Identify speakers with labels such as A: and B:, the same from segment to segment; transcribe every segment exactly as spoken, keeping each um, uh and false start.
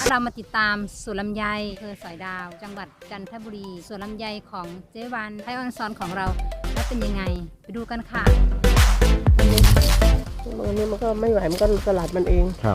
A: เรามาติดตามสวนลำไยอำเภอสอยดาวจังหวัดจันทบุรีสวนลำไยของเจ๊วันไทยออนซอนของเราแล้วเป็นยังไงไปดูกันค่ะ
B: อันนี้มันก็ไม่ไหวมันก็สลัดมันเอง
C: ครับ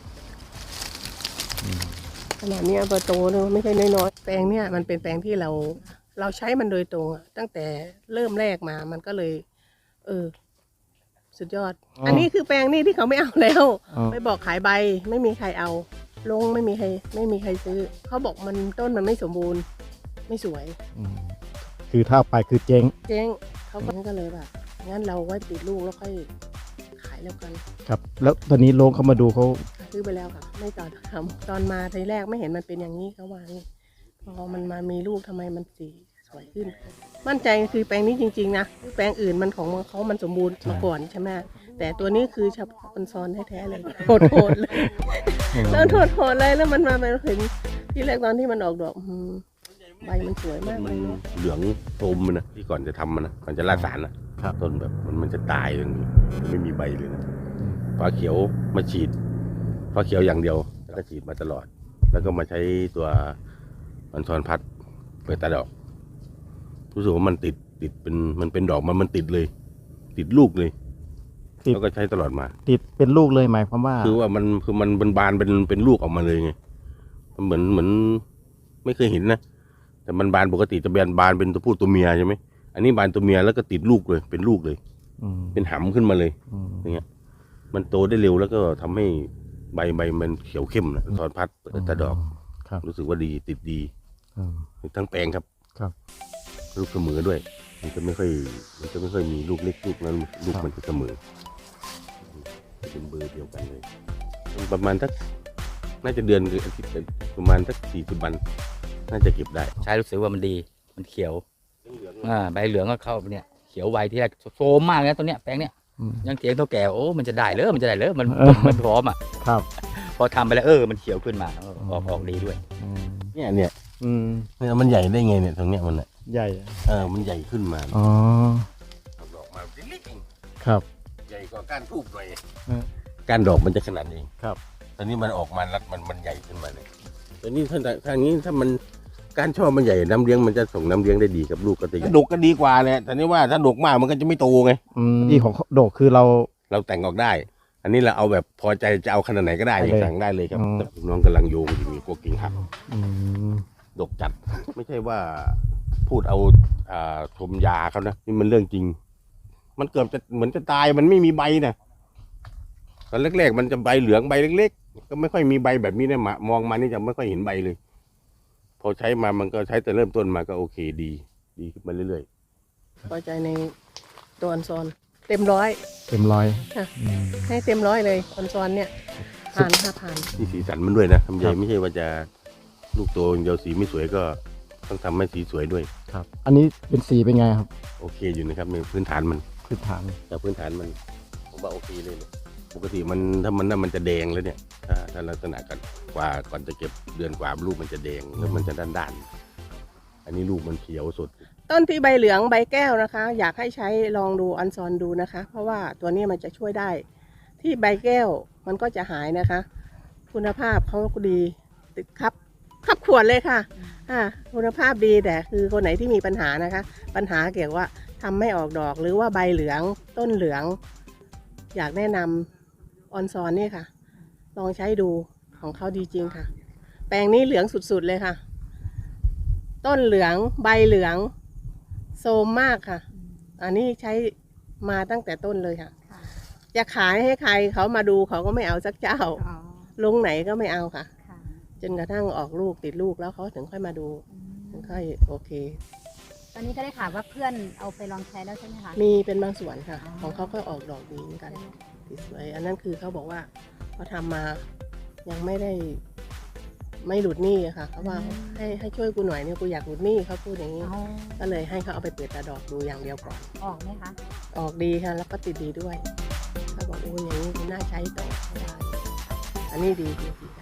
B: ขนาดนี้เบอร์โตเนี่ยไม่ใช่น้อยๆแปลงเนี่ยมันเป็นแปลงที่เราเราใช้มันโดยตรงตั้งแต่เริ่มแรกมามันก็เลยเออสุดยอด อ, อันนี้คือแปลงนี่ที่เขาไม่เอาแล้วไปบอกขายใบไม่มีใครเอาลงไม่มีใครไม่มีใครซื้อเขาบอกมันต้นมันไม่สมบูรณ์ไม่สวย
C: คือถ้าไปคือเจ๊ง
B: เจ๊งเขาก็เลยแบบงั้นเราไว้ติดลูกแล้วค่อยขายแล้วกัน
C: ครับแล้วตอนนี้ลงเขามาดูเขา
B: ซื้อไปแล้วค่ะไม่ต่อทำตอนมาทีแรกไม่เห็นมันเป็นอย่างนี้เขาว่านี่พอมันมามีลูกทำไมมันสีสวยขึ้นมั่นใจคือแปลงนี้จริงๆนะแปลงอื่นมันของเขามันสมบูรณ์มาก่อนใช่ไหมแต่ตัวนี้คือเฉพาะคนซ้อนแท้ๆเลยโหดๆเลยแล้วโหดๆเลยแล้วมันมาเป็นเห็นที่แรกตอนที่มันออกดอกใบมันสวยมากเลย
D: เหลืองโทมมันนะที่ก่อนจะทำมันนะก่อนจะราดสารนะต้นแบบมันมันจะตายเลยไม่มีใบเลยนะฟ้าเขียวมาฉีดฟ้าเขียวอย่างเดียวแล้วก็ฉีดมาตลอดแล้วก็มาใช้ตัวมันทอนพัดเปิดตาดอกรู้สึกว่ามันติดติดเป็นมันเป็นดอกมันมันติดเลยติดลูกเลยแล้วก็ใช้ตลอดมา
C: ติดเป็นลูกเลยหมายความว่า
D: คือว่ามันคือมันเป็นบานเป็นเป็นลูกออกมาเลยไงมันเหมือนเหมือนไม่เคยเห็นนะแต่มันบานปกติจะแบนบานเป็นตัวผู้ตัวเมียใช่ไหมอันนี้บานตัวเมียแล้วก็ติดลูกเลยเป็นลูกเลยเป็นหำขึ้นมาเลยอย่างเงี้ยมันโตได้เร็วแล้วก็ทำให้ใบใบมันเขียวเข้มนะทอนพัดเปิดตาดอกรู้สึกว่าดีติดดีทั้งแปลงครับ
C: ครับ
D: ลูกเสมอด้วยมันจะไม่ค่อยมันจะไม่ค่อยมีลูกเล็กลูกนั้นลูกมันจะเสมอเป็นเบอร์เดียวกันเลยประมาณสักน่าจะเดือนหรืออาทิตย์ประมาณสักสี่สิบวันน่าจะเก็บได้
E: ใช้รู้สึกว่ามันดีมันเขียวอ่าใบเหลืองก็เข้าเนี่ยเขียวไวที่แรกโซมมากเลยตัวเนี้ยแปลงเนี้ยยังเถียงเท่าแก่โอ้มันจะได้เลยมันจะได้เลยมันมันพร้อมอ่ะ
C: ครับ
E: พอทำไปแล้วเออมันเขียวขึ้นมาออกออกดีด้วย
D: เนี่ยเนี่ยเนี่ยมันใหญ่ได้ไงเนี่ยตรงเนี้ยมันอ่ะ
C: ใหญ่
D: เออมันใหญ่ขึ้นมา
C: อ๋อ
D: ดอกมาเล็ก
C: ๆครับ
D: ใหญ่กว่าก้านทูบหน่อยก้านดอกมันจะขนาดนี้
C: ครับ
D: ตอนนี้มันออกมารัดมันมันใหญ่ขึ้นมาเลยตอนนี้ถ้าทางนี้ถ้ามันก้านช่อมันใหญ่น้ำเลี้ยงมันจะส่งน้ำเลี้ยงได้ดีกับลูกก็ตีดกก็ดีกว่าเลยแต่นี่ว่าถ้าดกมากมันก็จะไม่โตไง
C: ดีของดกคือเรา
D: เราแต่งออกได้อันนี้เราเอาแบบพอใจจะเอาขนาดไหนก็ได้สั่งได้เลยครับน้องกำลังโยงอยู่มีพวกกิ่งหักดกจัดไม่ใช่ว่าพูดเอาชมยาเขานะนี่มันเรื่องจริงมันเกือบจะเหมือนจะตายมันไม่มีใบนะตอนแรกๆมันจะใบเหลืองใบเล็กๆก็ไม่ค่อยมีใบแบบนี้นะมองมานี่จะไม่ค่อยเห็นใบเลยพอใช้มามันก็ใช้แต่เริ่มต้นมาก็โอเคดีดีขึ้นมาเรื่อย
B: ๆพอใจในตัวอันซอนเต็มร้อย
C: เต็มร้อย
B: ให้เต็มร้อยเลยอันซอนเนี่ยผ่านห้าผ่าน
D: ที่สีสันมันด้วยนะทำใหญ่ไม่ใช่ว่าจะลูกโตเดียวสีไม่สวยก็ต้องทำให้สีสวยด้วย
C: ครับอันนี้เป็นสีเป็นไงครับ
D: โอเคอยู่นะครับในพื้นฐานมัน
C: พื้นฐาน
D: แต่พื้นฐานมันผมว่าโอเคเลยปกติมันถ้ามันน่ามันจะแดงแล้วเนี่ยถ้าถ้าลักษณะกันกว่าก่อนจะเก็บเดือนกว่าลูกมันจะแดงแล้วมันจะด้านด้านอันนี้ลูกมันเขียวสด
B: ต้นที่ใบเหลืองใบแก้วนะคะอยากให้ใช้ลองดูอันซอนดูนะคะเพราะว่าตัวนี้มันจะช่วยได้ที่ใบแก้วมันก็จะหายนะคะคุณภาพเขาก็ดีติดครับขับขวดเลยค่ะอ่าคุณภาพดีแต่คือคนไหนที่มีปัญหานะคะปัญหาเกี่ยวว่าทำไม่ออกดอกหรือว่าใบเหลืองต้นเหลืองอยากแนะนำออนซอนนี่ค่ะลองใช้ดูของเขาดีจริงค่ะแปลงนี้เหลืองสุดๆเลยค่ะต้นเหลืองใบเหลืองโซมมากค่ะอันนี้ใช้มาตั้งแต่ต้นเลยค่ะจะขายให้ใครเขามาดูเขาก็ไม่เอาสักเจ้าลงไหนก็ไม่เอาค่ะจนกระทั่งออกลูกติดลูกแล้วเขาถึงค่อยมาดูถึงค่อยโอเค
A: ตอนนี้ก็ได้ข่าวว่าเพื่อนเอาไปลองใช้แล้วใช่ไหมคะ
B: มีเป็นบางส่วนค่ะของเขาก็ออกดอกดีเหมือนกันสวยอันนั้นคือเขาบอกว่าเขาทำมายังไม่ได้ไม่หลุดหนี้ค่ะเขาว่าให้ให้ช่วยกูหน่อยเนี่ยกูอยากหลุดหนี้เขาพูดอย่างนี้ก็เลยให้เขาเอาไปเปิดตาดอกดูอย่างเดียวก่อน
A: ออกไหมคะ
B: ออกดีค่ะแล้วก็ติดดีด้วยเขาบอกโอ้ยอย่างนี้น่าใช้ต่อได้อันนี้ดีจริง